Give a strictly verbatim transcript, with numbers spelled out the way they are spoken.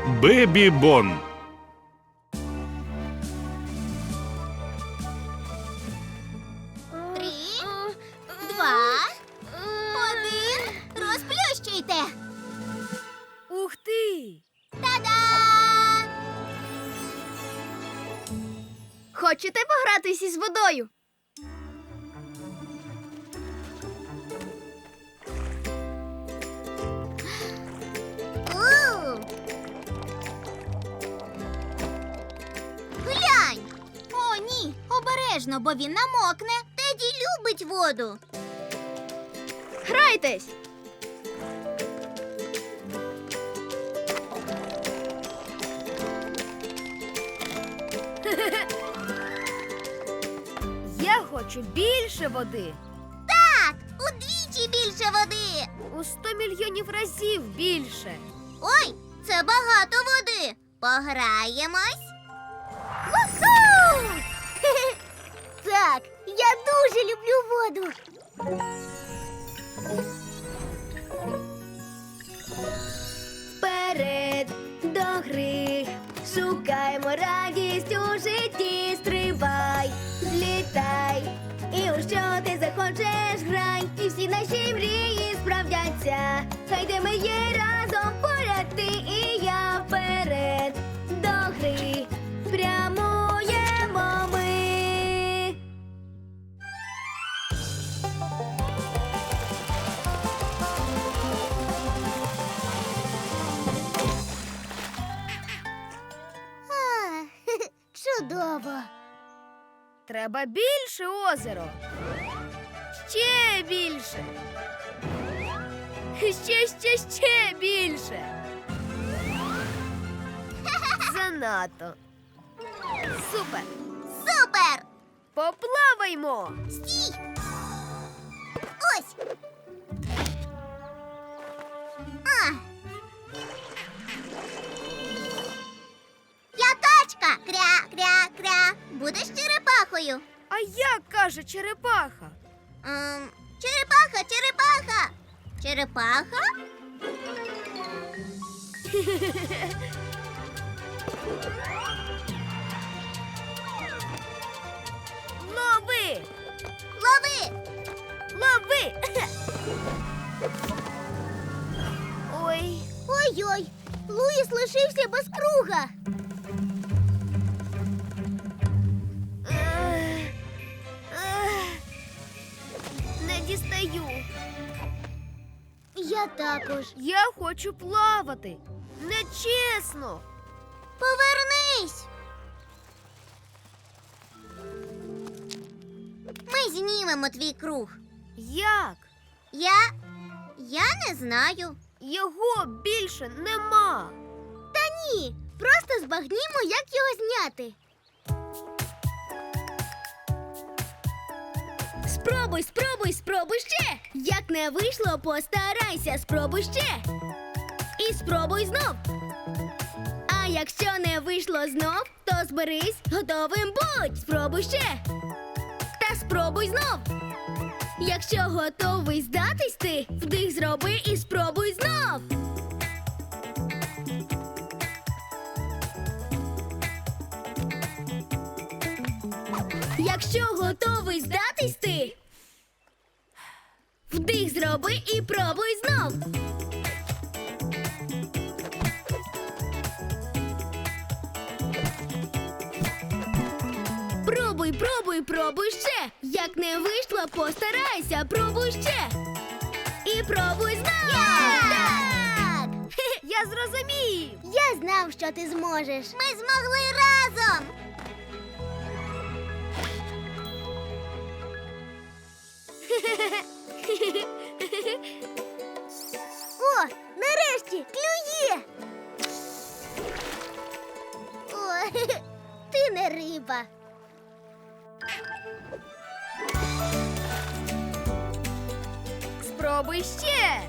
Бебі Бон. Три, два, один. Розплющуйте. Ух ти! Та-да! Хочете погратись із водою? У! Глянь! О, ні, обережно, бо він намокне. Теді любить воду. Грайтесь! Я хочу більше води. Так, удвічі більше води. У сто мільйонів разів більше. Ой, це багато води. Пограємось. Уху! Так, я дуже люблю воду. Вперед до гри, шукаємо радість у житті, стрибай, злітай, і у що ти захочеш грай, і всі наші мрії справдяться, хай де ми є разом, поряд ти і я, вперед до гри, прямуємо ми. А, чудово. Треба більше озеро. Ще більше. Ще, ще, ще більше. Занадто. Супер. Супер! Поплаваймо. Стій! Ось! А! Я качка! Кря-кря-кря! Будеш черепахою? А як каже черепаха? Ем, черепаха, черепаха! Черепаха? Лови! Лови! Лови! Ой, Ой-ой! Луїс лишився без круга! ех, ех, не дістаю. Я також. Я хочу плавати. Нечесно. Повернись! Ми знімемо твій круг. Як? Я. Я не знаю. Його більше нема. Та ні. Просто збагнімо, як його зняти. Спробуй, спробуй, спробуй ще. Як не вийшло, постарайся, спробуй ще. І спробуй знов. А якщо не вийшло знов, то зберись, готовим будь. Спробуй ще. Та спробуй знов. Якщо готовий здатись ти, вдих зроби і спробуй знов. Якщо готовий здатись ти, вдих зроби і пробуй знов. Пробуй, пробуй, пробуй ще. Як не вийшло, постарайся, пробуй ще. І пробуй знов. Так! Я зрозумів. Я знав, що ти зможеш. Ми змогли разом. О, нарешті клює. О, ти не риба. Спробуй ще.